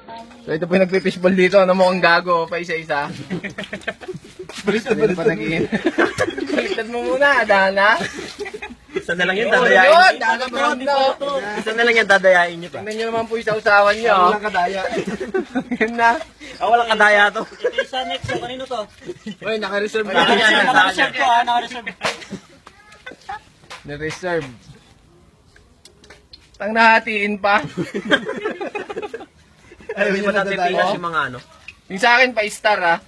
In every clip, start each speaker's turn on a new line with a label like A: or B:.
A: So ito po yung nagpipishball dito. Ano mo kang gago pa isa-isa? Hindi pa nag-iin. Baliktad mo muna, Dana.
B: Isa na lang yan,
A: Yun,
B: dadayain.
A: Dana Brown na.
B: Isa na lang yan, dadayain nyo pa.
A: Tingnan nyo naman po yung sausawan nyo.
C: Walang kadaya.
A: Yun na.
B: Walang kadaya to.
D: Ito isa next. So, kanino to?
C: Uy, naka-reserve
B: Ay,
C: na.
B: yan, yan,
D: Naka-reserve ko ha. Naka-reserve.
A: Na-reserve. Tang nahatiin pa.
B: Ay, hindi pa natin pinas yung mga ano.
A: Yung sa akin, pa-star ah.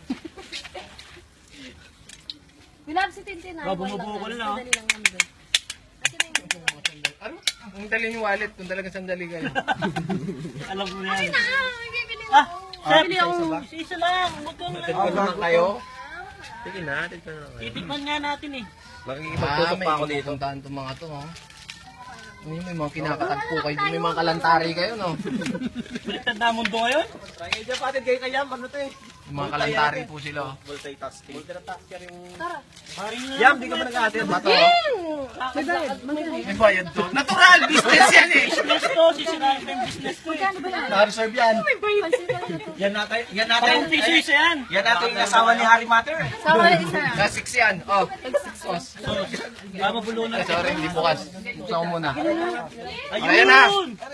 E: Bilab si Tintin na.
D: Bumubuo ko na, no?
E: Dali lang naman doon.
A: Ano? Ang dali yung wallet kung talagang sandali kayo.
D: Alam mo na yan.
E: Bibili
D: Ah, chef.
E: Bibili ako.
D: Isa lang. Huwag kang lang.
A: Tignan naman kayo.
B: Sige na, tignan na kayo.
D: Titikman nga natin eh.
B: Makikipagtusok pa ako dito.
A: Puntahan itong mga to, oh. May mga kinakatagpo kayo. May mga kalantari kayo, no?
D: Baliktad na mundo ngayon.
B: Ay, dyan patid kayo kaya, ano to eh.
A: Yung mga kalantari po sila, oh.
B: Multitasking. Multitasking yung...
E: Tara.
D: Paring na.
B: Yam, di ka ba nag-atin?
A: Bato, oh. May bayad to. Natural business yan, eh.
D: Business to. Sisirain pa yung business ko eh.
E: Kano ba yan?
C: Naka-reserve yan.
E: Pansin ka na ito.
B: Yan natin.
D: Parang piso isa yan.
B: Yan natin yung asawa ni Harry Matter eh.
E: Sama na isa.
A: Na 6 yan, oh. Sos.
D: Tama bulunan.
A: Ay, sorry, hindi bukas. Buksan ko muna.
D: Ayun!
A: Ayan na.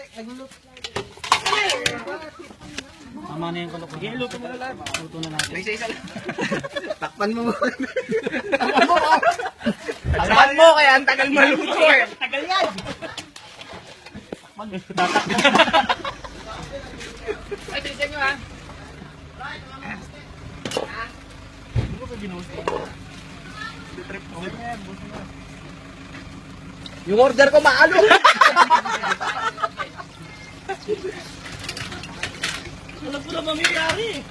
D: Tama na yung kulok. Sige, luto mo na lang. Luto na natin.
A: May isa-isa lang.
C: Takpan mo.
A: Tagal mo, kaya ang tagal maluto, eh.
D: Tagal yan!
A: Ay, tignan nyo, ha.
C: Yung order ko maalo.
D: Alam ko na mamiyari eh.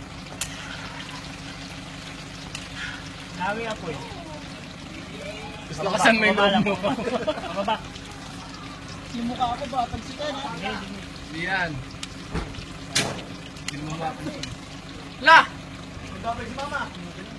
D: Dami apoy.
A: Gusto ko saan may loob mo.
D: Baba. Yung mukha ko ba? Pagsikan ha?
A: Hindi yan. Hindi mo mapapansin. La!
C: Magkabay si mama.